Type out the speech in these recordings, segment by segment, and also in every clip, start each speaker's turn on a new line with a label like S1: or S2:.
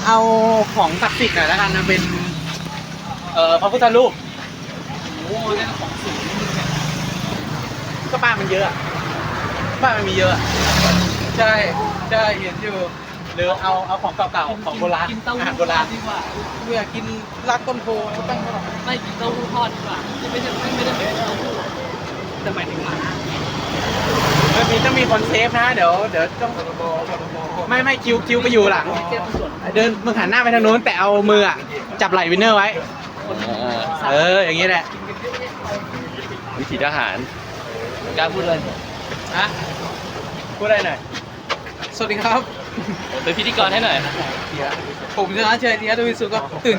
S1: เอาของศักดิ์สิทธิ์หน่อยแล้วกันนะเป็นพระพุทธรูปโอ้เล่นของสูงก็บ้านมันเยอะบ้านมันมีเยอะใช่ใช่เห็นอยู่หรือเอาของเก่าๆของโบราณอาหารโบราณดีกว่ากูอยากกินรากต้นโพตั้ง
S2: ไม่กินเต้าหู้ทอดดีกว่าไม่ได้เป็นเต้าหู้แต่หมายถึงหมา
S1: ต้องมีคนเซฟนะเดี๋ยวต้องไม่คิวไปอยู่หลังเดินมึงหันหน้าไปทางโน้นแต่เอามือจับไหล่วินเนอร์ไว้อย่างนี้แหละ
S3: วิถีทหารกล้าพูดเลย
S1: ฮะพูดอะไรหน่อยสวัสดีครับ
S3: เป็นพิธีกรให้หน่อย
S1: ผมชนะเชยเดียดวิสุก็ตื่น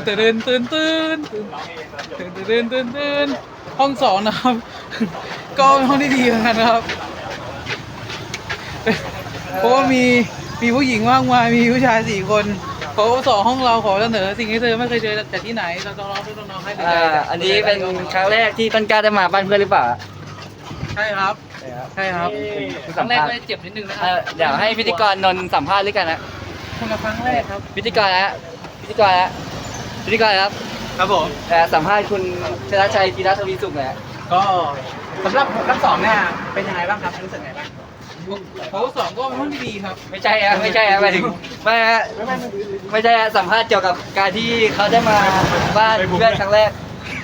S1: ห้อง2นะครับก็เป็นห้องที่ดีเหมือนกันนะครับเพราะว่ามีผู้หญิงมากมายมีผู้ชาย4 คนเขาสอนห้องเราขอเสนอสิ่งที่เธอไม่เคยเจอแต่ที่ไหนเราต้องร้องน้องให้ดู
S3: อันนี้เป็นครั้งแรกที่ต้นกล้าได้มาบ้านเพื่อนหรือเปล่า
S1: ใช่ครับ
S2: ครั้งแรกก็เจ็บนิดนึงนะครับ
S3: เดี๋ยวให้พิธีกรนนท์สัมภาษณ์ด้วยกันนะ
S1: คนละครั้งแรกครับ
S3: พิธีกรครับ
S1: ครับผม
S3: สัมภาษณ์คุณชนะชัยธีรทวีสุขหน่อย
S1: ก็สำหรับทั้งสองเนี่ยเป็นยังไงบ้างครับรู้สึกไงบ้างโค้ช2ก็เป็นห้องที่ดีครับ
S3: ไม่ใช่หมายถึงไม่ใช่สัมภาษณ์เกี่ยวกับการที่เขาได้มาบ้านเพื่อนครั้งแรก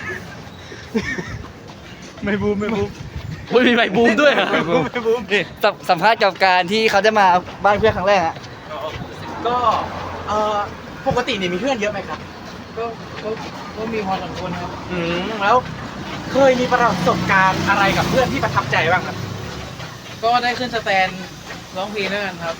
S1: ไม่บูม
S3: มีใบบูมด้วยไม่บูมนี่สัมภาษณ์เกี่ยวกับการที่เขาได้มาบ้านเพื่อนครั้งแรก
S1: ก็ปกติเนี่ยมีเพื่อนเยอะไหมครับ
S2: ก็มีพอสมควรครับ
S1: แล้วเคยมีประสบการณ์อะไรกับเพื่อนที่ประทับใจบ้างครับ
S2: ก็ได้ขึ้นสแตนร้องเพลงด้วยกันครับ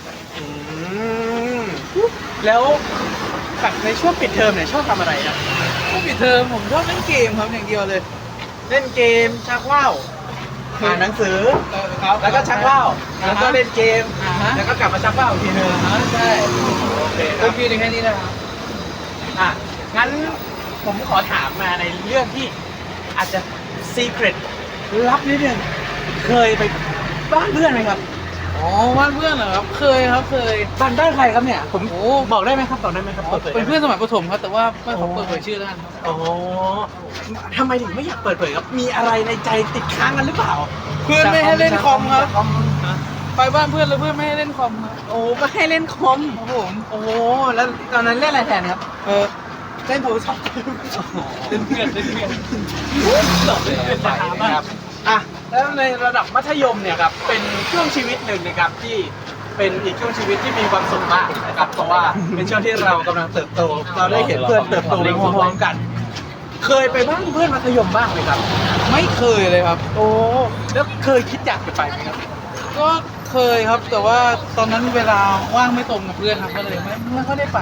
S1: แล้วแบบในช่วงปิดเทอมเนี่ยชอบทำอะไรครับ
S2: ช่วงปิดเทอมผมชอบเล่นเกมครับอย่างเดียวเลย
S1: เล่นเกมชักว่าวอ่านหนังสือแล้วก็ชักว่าวแล้วก็เล่นเกมแล้วก็กลับมาชักว่าวอีกทีนึง
S2: ใช่โอเคครับพี่ในแค่นี้นะครับ
S1: งั้นผมขอถามมาในเรื่องที่อาจจะซีเครตลับนิดนึงเคยไปบ้านเพื่อนไหมครับ
S2: บ้านเพื่อนเหรอครับเคย
S1: บ้านใครครับเนี่ยผมบอกได้ไหมครับบอกได้ไหมครับ
S2: เป็นเพื่อนสมัยประถมครับแต่ว่าไม่ขอเปิดเผยชื่อแล้วกัน
S1: ครับทำไมถึงไม่อยากเปิดเผยครับมีอะไรในใจติดค้างกันหรือเปล่า
S2: เพื่อนไม่ให้เล่นคอมครับไปบ้านเพื่อนแล้วเพื่อนไม่ให้เล่นคอมครับ
S1: ไม่ให้เล่นคอมครับผมแล้วตอนนั้นเล่นอะไรแทนครับเล่นโทรศัพท์
S2: เล่นเพื่อน
S1: หลอกเล่นครับแล้วในระดับมัธยมเนี่ยครับเป็นช่วงชีวิตหนึ่งนะครับที่เป็นอีกช่วงชีวิตที่มีความสุขมากนะครับเพราะว่าเป็นช่วงที่เรากำลังเติบโตเราได้เห็นเพื่อนเติบโตไปพร้อมๆกันเคยไปบ้านเพื่อนมัธยมบ้างไหมครับ
S2: ไม่เคยเลยครับ
S1: แล้วเคยคิดอยากจะไปไหมครับ
S2: ก็เคยครับแต่ว่าตอนนั้นเวลาว่างไม่ตรงกับเพื่อนครับก็เลยไม่ค่อยได้ไป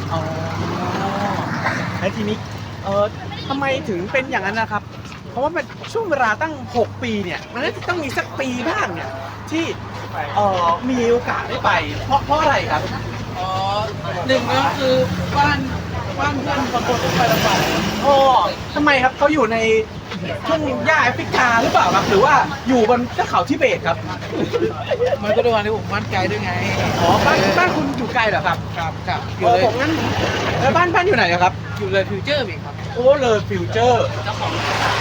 S1: แล้วทีนี้ทำไมถึงเป็นอย่างนั้นนะครับเพราะว่ามันช่วงเวลาตั้ง6 ปีเนี่ยมันต้องมีสักปีบ้างเนี่ยที่มีโอกาสได้ไปเพราะอะไรครับ
S2: หนึ่งก็คือบ้านเพื่อนบางคนต้องไปลำบาก
S1: ทำไมครับเขาอยู่ในทุ่งหญ้าแอฟริกาหรือเปล่าครับหรือว่าอยู่บนเทือกเขาทิเบตครับ
S2: มันก็ด้วยความที่ผมบ้านไกลด้วยไง
S1: บ้านคุณอยู่ไกลเหรอครับ
S2: ครับ
S1: อยู่เลยผมงั้นแล้วบ้านอยู่ไหนครับ
S2: อยู่เลยฟิวเจอร์เองครับ
S1: เลยฟิวเจอร์
S2: เจ้าของ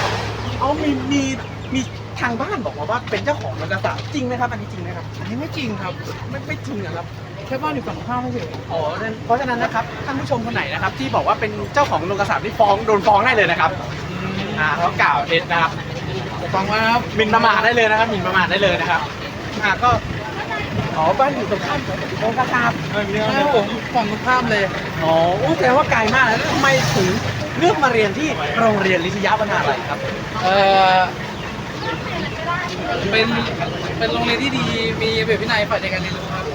S1: มีทางบ้านบอกว่าเป็นเจ้าของโรงกระสาจริงไหมครับอันนี้จริงไหมครับ
S2: อันนี้ไม่จริงครับ
S1: ไม่จริงครับ
S2: แค่บ้านอยู่ฝั่งข้ามไม่ใช่
S1: เพราะฉะนั้นนะครับท่านผู้ชมคนไหนนะครับที่บอกว่าเป็นเจ้าของโรงกระสาที่โดนฟ้องได้เลยนะครับเขากล่าวเท็จนะครับ
S2: ฟังว่าครับ
S1: หมิ่นประมาทได้เลยนะครับหมิ่นประมาทได้เลยนะครับก็บ้านอยู่ตรงข้ามโรงกระสา
S2: ใช่ผมฝั่งตรงข้ามเลย
S1: แสดงว่าไกลมากแล้วทำไมถึงเลือกมาเรียนที่โรงเรียนลิทยาวนาลัยครับ
S2: เป็นโรงเรียนที่ดีมีระเบียบวินัยฝ่ายในการเรียนรู้ครับ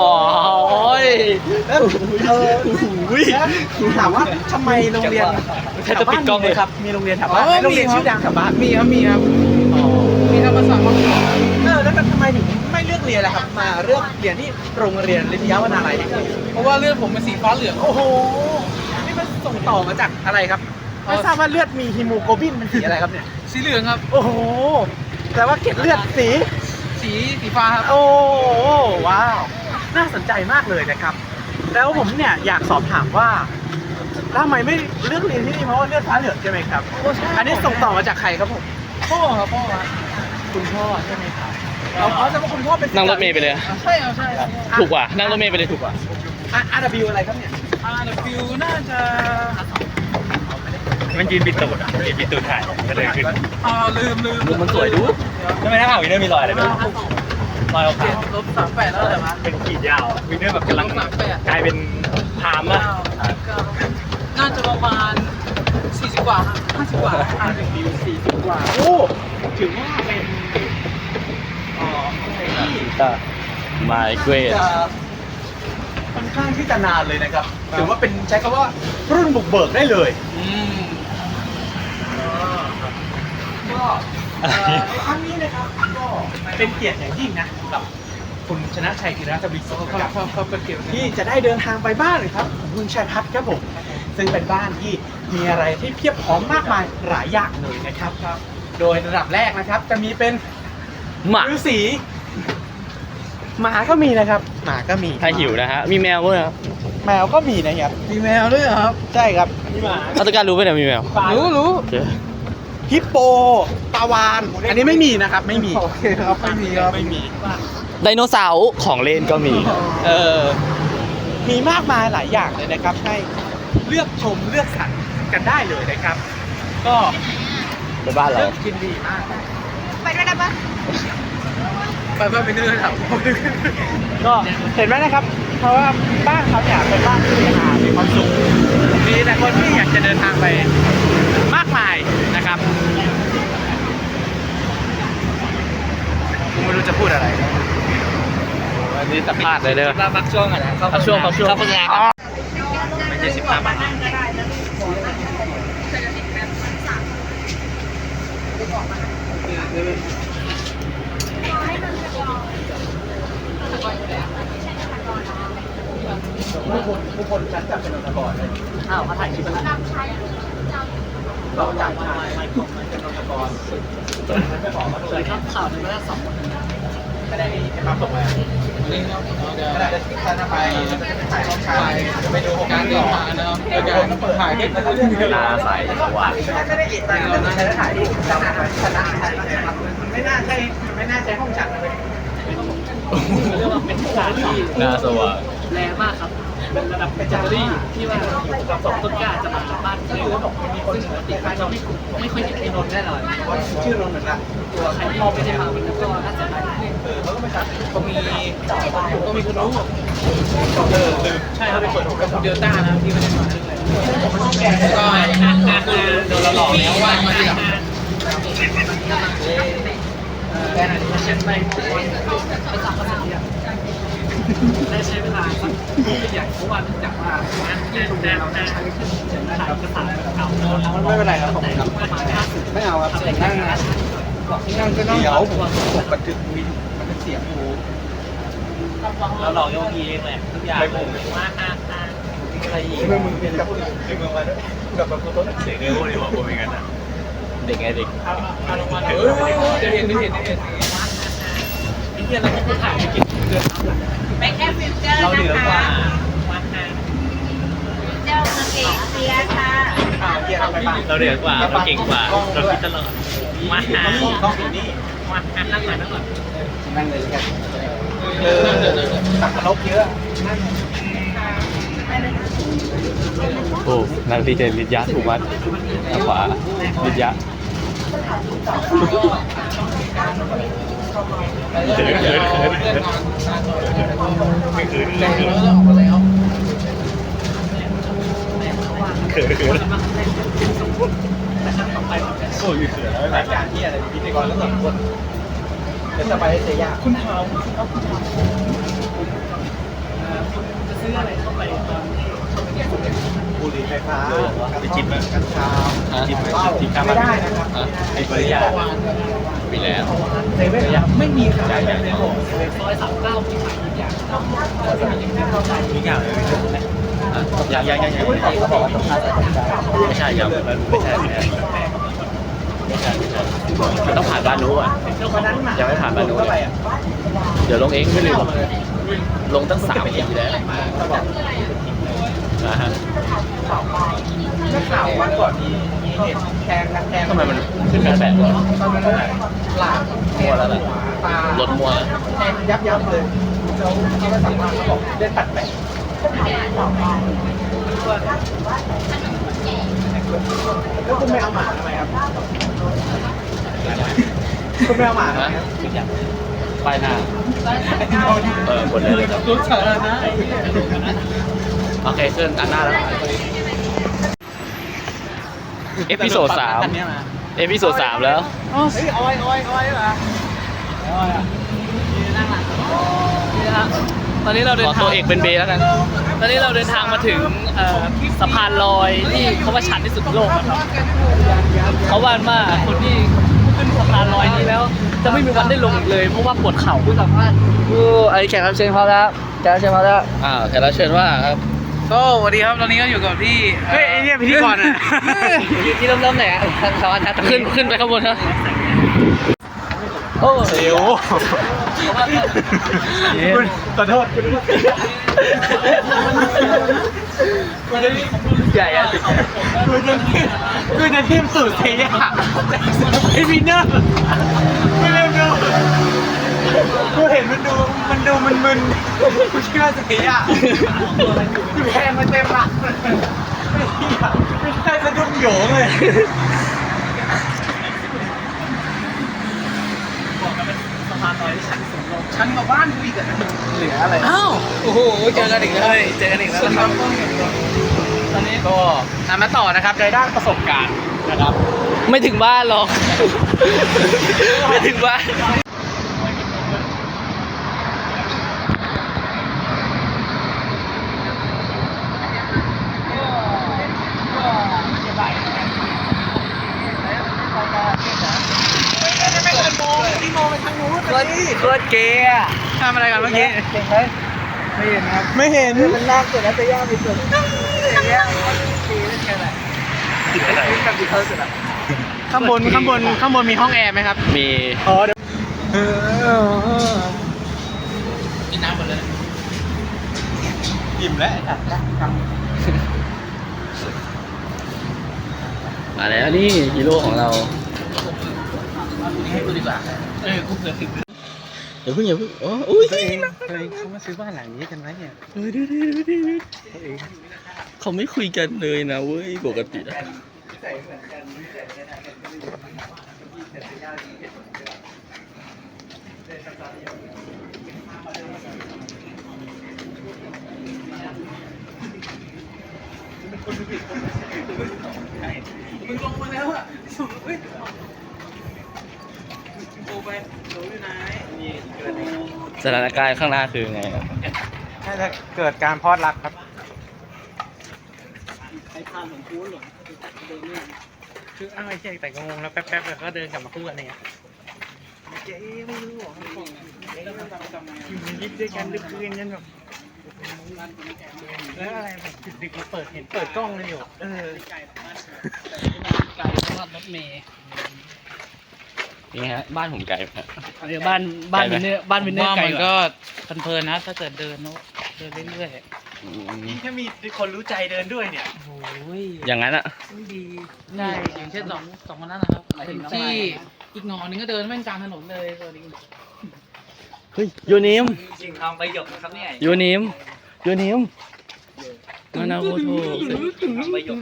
S1: ถามว่าทำไมโรงเรียนแถวบ้านมีครับมีโรงเรียนแถวบ้านโรงเรียนชื่อดังแถวบ้าน
S2: มีครับมีธรรมศาสตร์มา
S1: แล้วทำไมถึงไม่เลือกเรียนล่ะครับมาเลือกเรียนที่โรงเรียนลิทยาวนาลัย
S2: เพราะว่าเลือดผมเป็นสีฟ้าเหลือง
S1: นี่มันส่งต่อมาจากอะไรครับไม่ทราบว่าเลือดมีฮีโมโกลบินมันสีอะไรครับเนี่ย
S2: สีเหลืองครับ
S1: แต่ว่าเกล็ดเลือดสี
S2: ฟ้าครับ
S1: ว้าวน่าสนใจมากเลยนะครับแล้วผมเนี่ยอยากสอบถามว่าทำไมไม่เลือกเรียนที่นี่เพราะว่าเลือดฟ้าเหลืองใช่ไหมครับ
S2: โอ้ใช่
S1: อันนี้ส่งต่อมาจากใครครับผม
S2: พ่อครับพ่อครับ
S1: คุณพ่อใช่ไหมครับเอาจะว่าคุณพ่อเป็น
S4: นั่งรถเมล์ไปเลย
S2: ใช่ครับใช่ครับ
S4: ถูกกว่า นั่งรถเมล์ไปเลยถูกกว่า
S1: RW อะไรครับเนี่ย
S2: ฟิวน่าจะ
S4: มันยืนปิดตูดอ่ะยืนปิดตูดถ่ายก็เลยขึ้น
S2: ลืม
S4: มุมมันสวยดูไม่น่าเอาวินเนอร์มีรอยอะไรไหมรอยเอา
S2: เจ็ดลบ38แล้วเหรอวะ
S4: เป็นขีดยาววินเนอร์แบบกำลัง
S2: 38
S4: กลายเป็นพามอ่ะ
S2: น่าจะประมาณ40 กว่า50 กว่า
S1: RW 40 กว่า โอ้ถือว่าเป็น
S4: มาเกรด
S1: จะค่อนข้างที่จะนานเลยนะครับ ถือว่าเป็นใช้คำว่ารุ่นบุกเบิกได้เลย ก็ในครั้งนี้นะครับก็เป็นเกียรติอย่างยิ่งนะกับคุณชนะชัยธีรทวีสุขนะครับ
S2: เขาเป็นเกี่ยวกับ
S1: ที่จะได้เดินทางไปบ้านเลยครับของคุณชัยพัฒน์ครับผมซึ่งเป็นบ้านที่มีอะไรที่เพียบพร้อมมากมายหลายอย่างเลยนะครับ โดยระดับแรกนะครับ จะมีเป็น
S4: หมา
S1: ฤาษีหมาก็มีนะครับหมาก็มี
S4: ถ้าหิวนะฮะ มีแมวด้วยครับ
S1: แมวก็มีนะครับ
S2: มีแมวด้วยเหรอครับ
S1: ใช่ครับมีหมา
S4: อัตการรู้ไหมเนี่ยมีแมว
S2: รู้
S4: โอเค
S1: ฮิปโปปลาวานอันนี้ไม่มีนะครับไม่มี
S2: โอเคครับไม่มีครับ
S1: ไม่มี
S4: ไดโนเสาร์ของเล่นก็มี
S1: เออมีมากมายหลายอย่างเลยนะครับ ให้เลือกชมเลือกสรรกันได้เลยนะครับ ก็
S4: ไปบ้านเรา
S1: เลือกกินดีมาก
S2: ไปด้วยได้ปะไปเพื่อไปเนื่อยครับ
S1: ก็เห็นไหมนะครับ เพราะว่าบ้านเขาเนี่ยเป็นบ้านที่มีความสุขมีแต่คนที่อยากจะเดินทางไปมากมายนะครับผมไม่รู้จะพูดอะไรอันนี้สัมภาษณ์เลยเด้อ
S3: เราพักช่วงก่อนนะ
S4: พักช่วงพักช่วง
S3: เข้าโฆษณาก่อน
S4: ไม่ใช่15 บาท
S1: ผู้คนฉันจะเป็นนกรเลย
S3: อ้าวเขาถ่ายคลิปอะไร
S1: เราจากชายเป็นนกรไม่บอกว่า
S3: เคยครับข่าวในเมื่อ2 วัน
S1: ไม่ได้ให้มาส่งมาไม่ได้ถ้าไปถ่ายห้องชายจะไปดูโครงการ
S2: เดิ
S1: ต่
S2: น
S1: อ
S2: ทางนะครับในการถ่ายคลิปนะครับ
S4: ตาใสสว่าง
S1: ไม่ได้เอกใจเราใช้ถ่ายรูปจำได้ชนะมันไม่น่าใช่ไม่น่าใช่ห้องฉันเลย
S3: เรียกว่าเป็นสถานที่
S4: หน้าสว่าง
S3: แรงมากครับเป็นระดับเป็นจัตเตอรี่ที่ว่าสองต้นกล้าจะมาบ้านเร็วซึ่งปกติเราไม่ค่อยเห็นไอ้นนท์แน่นอน
S1: ชื่อนนท์เหมือนกัน
S3: ตัวใครที่ไม่ได้มาวันนั้นก็น่าจะได้
S1: เขาก็ไม่ชัด
S2: ก็มีคุณรู้
S1: ลืม
S2: ใช่ครับเป็นส่วนของคุณเดลต้านะครับที่ไม่ได้มาด้วยก็คือโดนเราหลอกแล้วว่ามาทีหลัง
S1: แค่นั้น
S3: เช่นไปประจำภาษาเนี่ยได้ใช้เวลาสักอย่างเพราะว่าเนื่องจากว่าที่โรงแรมเราได้ใช้เครื่องเขียนถ่ายเอกสารเก่า
S1: ไม่เป็นไรครับผม
S3: แต่ประมาณ50
S1: ไม่เอาครับเสียงนั่งนะนั่งก็ต้องเดี๋ยวผมบันทึกวิดีมันเป็นเสียงหู
S3: เราหลอกโยกีเองแหละทุกอย่างว่าอะไรอีก
S1: เมื่อมึงเป็นกับเมืองมาด้วยกับแบบต้นเสียง
S4: เด็กเลยที่บอกว่าเป็นงั้นอ่ะ เด็กไงเด็ก
S2: จะเห็นไอ้เหี้ยเราก็ถ่ายไปกินเดือน
S5: ไปแค่ฟิวเจอร์
S3: เราเหนื
S5: นะ
S3: อกว่า
S5: คะฟิวเจอร์เมืองเอกเซียค่ะ
S1: เกียร์เราไปบ้าง
S4: เราเด็กกว่า เราเก่งกว่า เราคิดตลอดมาหา
S1: ต้องอยู่นี่
S3: มานั่งหน่อยนั่งหน่อย
S1: นั่งเลยกันตักนกเยอะ
S4: โอ้นักดีเจลิทยะถูกมัดทางขวาลิทยะเขินไม่เขินเลยเขินโอ้ยเขินแล้ว
S1: รายการที่อะไรพิธีกรแล้ว2 คนจะสบายให้เสียยากคุณเท้า
S3: จะซื้ออะไรเข้าไปตอน
S1: บุหรี่ไฟฟ้า
S4: ไปจิบไหม
S1: กัญชา
S4: จิบไหมจิบข้าม
S1: ไม่ได้นะครับ
S4: ไอ้ปริยามีแล้ว
S1: เซเว่นไม่มีขายในโลก
S3: ซอย39ที่ขายทุกอย่าง
S4: ทุกอย่างเลยยังเขาบอกว่าต้องพาใส่ถุงดำไม่ใช่ยังไม่ใช่มันต้องผ่านบ้านนู้นอ่ะยังไม่ผ่านบ้านนู้นเลยเดี๋ยวลงเองไม่ลืมลงตั้ง3 ปีแล้วนะฮะ
S1: นักข่าววันก่อนมีเหตุแทงกันแทง
S4: ทำไมมันขึ้นแบบแบบวะ
S1: ตอนนั้นหลาน
S4: มัวแล้วแหละ
S1: ตาร
S4: ถมัว
S1: แทงยับเลยแล้วเขาก็สั่งมาเขาบอกเล่นตัดแปะแล้วคุณไม่เอาหมาทำไมครับคุณไม่เอาหมาทำไมครับ
S4: ป้ายหน้ากดได้เลยครับ
S1: รถสาธารณะ
S4: โอเคขึ้นอันหน้าแล้วเอพิโซด3เอพิโซด3แล้ว
S1: เฮ้ยอ้อยเหรอ
S3: นี่นะครับตอนนี้เราเดิ
S4: ขอน
S3: ทา
S4: ตั
S3: ง
S4: วเอกเป็นเบแล้วกัน
S3: ตอนนี้เราเดินทางมาถึงสะพานลอยที่เขาว่าชันที่สุดในโลกนะครับเขาว่าว่าคนที่ขึ้นสะพานลอยนี้แล้ว จะไม่มีวันได้ลงอีกเลยเพราะว่าปวดเข่าผู้สัมภาษณ์
S2: ไอ้แขกรับเชิญเขาแล้วแขกรับเชิญเขาแล้ว
S4: แขกรับเชิญว่าครับ
S3: ก็สวัสดีครับตอนนี้ก็อยู่กับพี่
S1: เฮ้ยไอเนี่ยพิธีกรอ่ะ
S2: ที่เริ่มไหนอ่ะสวัสดีครับ
S4: ขึ้นไปข้างบนครับ
S2: โอ้
S1: เดี๋ยวคุณขอโทษคุณจะ
S2: ใหญ่อะ
S1: คุณจะทีมสูตรเทียไอวินเนอร์ไม่เร็วดูกูเห็นมันดูมึนกูเชื่อเสียอยู่แทงมันเต็มหลังไม่ใช่สะดุ้งโหยงเลย
S3: สะพานลอยที่ชันที่สุดในโลก
S1: ฉันกับบ้านกูอีกอะเหลืออะไร
S3: อ้าวโอ้โหเจอกันอีกแล้วเจอกันอีกแล้วนะครับตอนนี้
S1: ก็มาต่อนะครับในด้านประสบการณ์นะครับ
S3: ไม่ถึงบ้านหรอก ไม่ถึงบ้าน
S1: ไม่เกินโมงที่โมงไปทางนู้นเลย
S2: โคตรเกย์อะ
S1: ทำอะไรกันเมื่อกี้
S2: เก่งไหมไม่เห็นครับ
S1: ไม่เห็น
S2: มันน่าเกลียดนะจะย่าไปสุดจะย่ามันเกย์เล่นกันแหละนี่กับดีเขาสุดอะ
S1: ข้างบนมีห้องแอร์ไหมครับ
S4: มี
S1: อ๋อเดี๋ยว
S3: กินน้ำหมดเลย
S1: อิ่มแล้ว
S4: มาแล้วนี่ฮีโร่ของเรา
S3: ให้กูดีกว่ากูเผื่อถึง
S4: อย่าเพิ่งอุ้ย
S1: ตัวเองเขามาซื้อบ้านหลังนี้กันไหมเนี่ย
S4: เขาไม่คุยกันเลยนะเว้ยปกติอะ
S1: มึงลงมาแล้วอ่ะสูงเฮ้ยโตไปโตอยู่ไหนนี่เกิด
S4: สถานการณ์ข้างหน้าคือไงครับ
S1: น่าจะเกิดการพลอดรักครับ
S3: ใครพาหลงกูหลงเดินเนี่ย
S1: คืออ้าวไอ้เจ๊แต่ก็งงแล้วแป๊บๆแล้วก็เดินกลับมาคู่กันเนี่ยเจ๊ไม่รู้หรออยู่ในลิฟต์ด้วยกันดึกคืนกันแบบแล้วอะไรแบบดึกๆมาเปิดกล้องเลยอยู่
S3: ไกลมากรถเมย์
S4: นี่ฮะบ้านผมไกลไหมฮะ
S3: เดี๋ยวบ้านวินเนอร์ไกล
S2: มัน
S3: กว่า
S2: ก็เพลินๆนะถ้าเกิดเดินเรื่อย
S4: อืม
S1: นี่ถ้ามีคนรู้ใจเดินด้วยเนี่ย
S2: ๆโอ้ย
S4: อย่างนั้นอะ
S2: ดีได้อย่างเช่นสองคนนั้นนะครับเป็นที่อีกหนอนึงก็เดินแม่งกลางถนนเลยสวัสดี
S4: เฮ้ยยูนิม
S2: จริงทางไปหยกนะครับเนี่ย
S4: ยูนิมมานาโคโท
S2: ทางไปหยก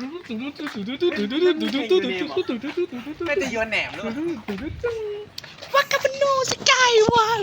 S1: ไม่จะโยนแหนมด้วย
S3: วากาบโนสกายวาน